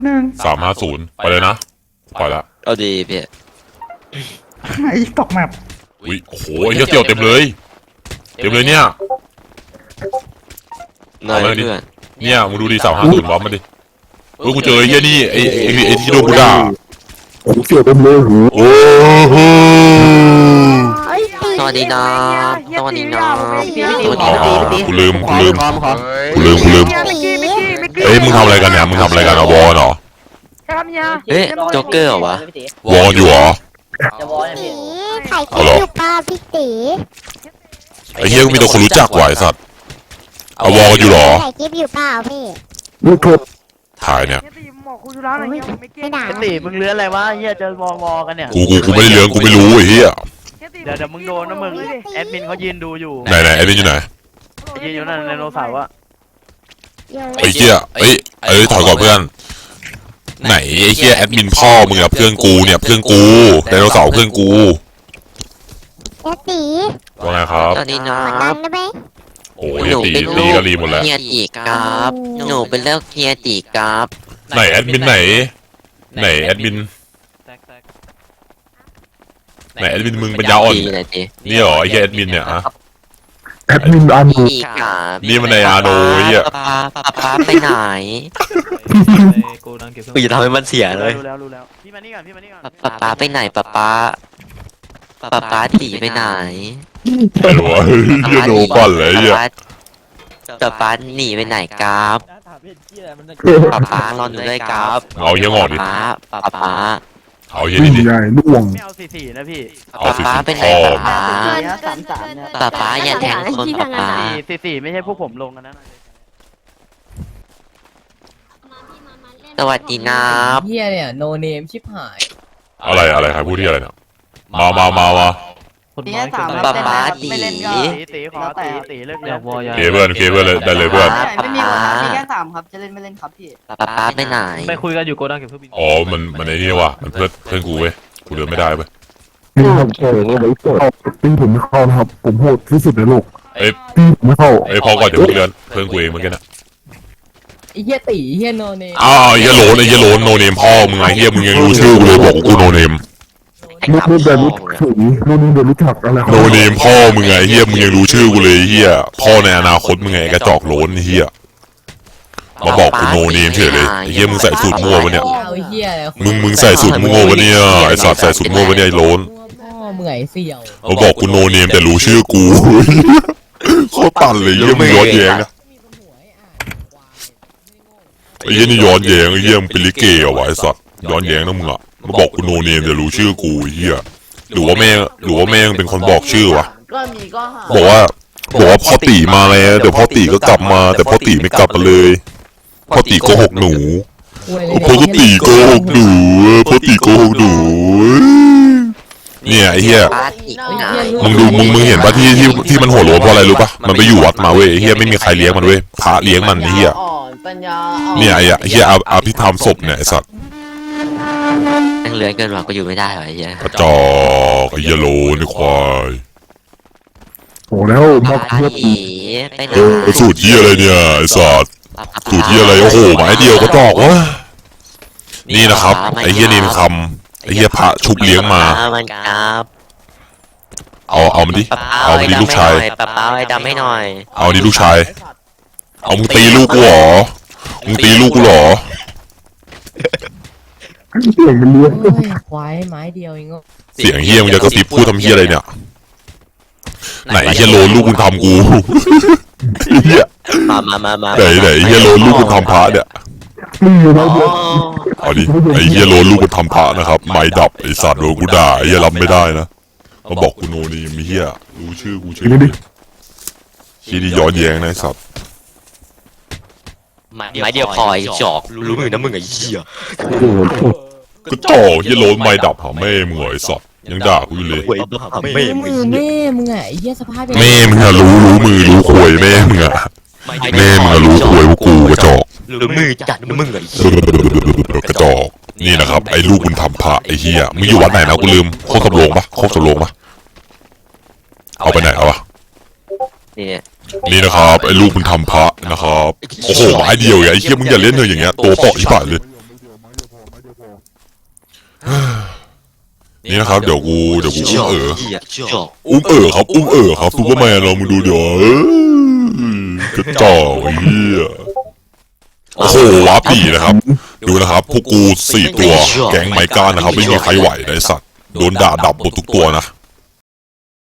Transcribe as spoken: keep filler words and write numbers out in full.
หนึ่งสามห้าศูนย์ไปเลยนะปล่อยละเอาดีพี่ไอ้ตกแมปอุ้ยโอ้โหเฮียเกี่ยวเต็มเลยเต็มเลยเนี่ยนายเพื่อนเนี่ยมึงดูดิสามห้าศูนย์บอมมาดิเฮ้ยกูเจอไอ้เฮียนี่ไอ้ไอ้ไอ้ที่โดนกูด่าผมเกี่ยวเต็มเลยหูโอ้โหสวัสดีนะสวัสดีนะสวัสดีนะกูลืมกูลืมกูลืมกูลืมเอ้ยมึงทำอะไรกันเนี่ยมึงทำอะไรกันอะวอลเหรอเฮ้ยโจ๊กเกอร์เหรอวะวอลอยู่เหรอถ่ายคลิปอยู่ป่ะพี่ตีไอ้เฮียกูมีแต่คนรู้จักว่ะไอ้สัตว์เอาวอลอยู่เหรอถ่ายคลิปอยู่เปล่าพี่นี่ครับถ่ายเนี่ยไม่ด่าตีมึงเลื้อนอะไรวะเฮียจะวอวอกันเนี่ยกูกูกูไม่ได้เลี้ยงกูไม่รู้ไอ้เฮียเดี๋ยวเดี๋ยวมึงโดนนะมึงแอดมินเขายืนดูอยู่ไหนไหนแอดมินอยู่ไหนยืนอยู่นั่นในโนเสาร์อะไอ้เฮียเอ้ยเอ้ยถอยก่อนเพื่อนไหนไอ้เฮียแอดมินพ่อมึงอะเพื่อนกูเนี่ยเพื่อนกูไดโนเสาร์เพื่อนกูแอดตีว่าไงครับสวัสดีนะดันได้ไหมโอ้ยตีตีกะลีหมดแล้วเฮียตีกราฟหนูเป็นเลิกเฮียตีกราฟไหนแอดมินไหนไหนแอดมินไหนแอดมินมึงเป็นยาอ่อนนี่เหรอไอ้เฮียแอดมินเนี่ยฮะแอดมินอานูนี่มันในอาโนเฮียป้าป้าป้าไปไหนกูจะทำให้มันเสียเลยรู้แล้วรู้แล้วพี่มานี่ก่อนพี่มานี่ก่อนป้าป้าไปไหนป้าป้าป้าป้าตีไปไหนไอ้หัวเฮียโดนปั่นเลยเฮียป้าป้าหนีไปไหนกราฟป้าป้ารอหนูด้วยกราฟเอาเฮียงอดิป้าป้าป้าเอาเฮียนี่ดิใหญ่ล่วงไม่เอาสี่สี่นะพี่เอาสี่สี่ไปไหนป้าสามสามเนี่ยป้าป้าอย่าแทงคนป้าป้าสี่สี่ไม่ใช่พวกผมลงกันนะสวัสดีนะเฮียเนี่ยโนเนมชิบหายอะไรอะไรใครพูดที่อะไรเนี่ยมามามามาป้าป้าตีตีขอตีตีเลิกเลิกเคเบิลเคเบิลเลยได้เลยเพื่อนไม่มีครับมีแค่สามครับจะเล่นไม่เล่นครับพี่ป้าป้าไปไหนไปคุยกันอยู่โกดังเก็บเครื่องบินอ๋อมันมันไอ้นี่ว่ะมันเพื่อนเพื่อนกูเว้ยกูเดินไม่ได้เว้ยนี่ครับโอ้โหไว้กดตีผมไม่เข้านะครับผมโหดที่สุดในโลกเอ้ยตีผมไม่เข้าเอ้ยพอก่อนเดี๋ยวกูเดินเพื่อนกูเองเมื่อกี้นะไอ้เฮียตีเฮียโนเนมอ้าวไอ้เฮียโลนไอ้เฮียโลนโนเนมพ่อมึงไงเฮียมึงยังรู้ชื่อกูเลยบอกกูโนเนมนู่นนู่นเดินรู้ถึงนู่นนู่นเดินรู้จักอะไรโนเนมพ่อมึงไงเฮียมึงยังรู้ชื่อกูเลยเฮียพ่อในอนาคตมึงไงกระจอกโลนเฮียมาบอกกูโนเนมเฉยเลยเฮียมึงใส่สูตรมั่วปะเนี่ยมึงมึงใส่สูตรมั่วปะเนี่ยไอสัตว์ใส่สูตรมั่วปะเนี่ยไอโลนเมื่อยเสี่ยวมาบอกกูโนเนมแต่รู้ชื่อกูโคตรปั่นเลยเฮียมึงย้อนแย้งนะไอ้เฮียนี่ย้อนแย้งไอ้เฮียมึงเป็นลิเกเหรอวะไอสัตว์ย้อนแย้งนะมึงอะมาบอกกูโนเนมแต่รู้ชื่อกูเฮียหรือว่าแม่หรือว่าแม่เป็นคนบอกชื่อวะบอกว่าบอกว่าพ่อตีมาแล้วเดี๋ยวพ่อตีก็กลับมาแต่พ่อตีไม่กลับมาเลยพ่อตีโกหกหนูพ่อตีโกหกหนูพ่อตีโกหกหนูเนี่ยไอ้เฮียมึงดูมึงมึงเห็นปะที่ที่ที่มันหัวโล้นเพราะอะไรรู้ปะมันไปอยู่วัดมาเว้ยไอ้เฮียไม่มีใครเลี้ยงมันเว้ยพระเลี้ยงมันไอ้เฮียเนี่ยไอ้เฮียอาภิธรรมศพเนี่ยไอ้สัตว์นั่งเลื้อยเกินหวังก็อยู่ไม่ได้หรอไอ้เหี้ยกระจอกไอ้เฮียโลนไอ้ควายโอ้แล้วมาเพื่อตีเออสูตรเฮียอะไรเนี่ยไอ้สัตว์สูตรเฮียอะไรโอ้โหไม้เดียวก็จอกวะนี่นะครับไอ้เฮียนี่มันคำไอ้เฮียพระชุบเลี้ยงมาเอาเอามันดิเอามันดิลูกชายป้าป้าไอ้ดำให้หน่อยเอาดิลูกชายเอามึงตีลูกกูเหรอมึงตีลูกกูเหรอเสียงมันเลี้ยงควายไม้เดียวเองเสียงเฮียมึงจะกระซิบพูดทำเฮียอะไรเนี่ยไหนเฮียโลนลูกมึงทำกูเฮียมามามามาไหนไหนเฮียโลนลูกมึงทำพระเนี่ยเอาดิไอเฮียโลนลูกมึงทำพระนะครับไม้ดับไอสัตว์โดนกูด่าเฮียรับไม่ได้นะมาบอกกูโนนี่มีเฮียรู้ชื่อกูชื่อชี้ดีย้อนแย้งนะสัตว์ไม้เดียวพอไอ้จอกรู้มือนะมึงไอ้เหี้ยก็จ่อเฮียโลนไม้ดับหาแม่มึงไอ้สัตว์ยังด่ากูอยู่เลยแม่มึงแม่มึงไงไอ้เหี้ยสภาพแม่มึงอะรู้รู้มือรู้ควยแม่มึงอะแม่มึงอะรู้ควยว่ากูกระจอกรู้มือจัดมึงไอ้กระจอกนี่นะครับไอ้ลูกมึงทำพระไอ้เฮียมึงอยู่วัดไหนนะกูลืมโคกสำโรงปะโคกสำโรงปะเอาไปไหนเอาวะนี่นะครับไอ้ลูกมึงทำพระนะครับโอ้โหไม้เดียวไอ้เฮียมึงอย่าเล่นเลยอย่างเงี้ยตัวเปาะอีป่าเลยนี่นะครับเดี๋ยวกูเดี๋ยวกูอุ้มเอ๋อเหี้ยจบอุ้มเอ๋อครับอุ้มเอ๋อครับซูเปอร์แมนเรามึงดูเดี๋ยวเอ้ยกระจอกไอ้เหี้ยโอ้โหวับดีนะครับ ดูนะครับพวกกูสี่ตัวแก๊งไมก้านะครับไม่มีใครไหวนะไอ้สัตว์โดนด่าดับหมดทุกตัวนะ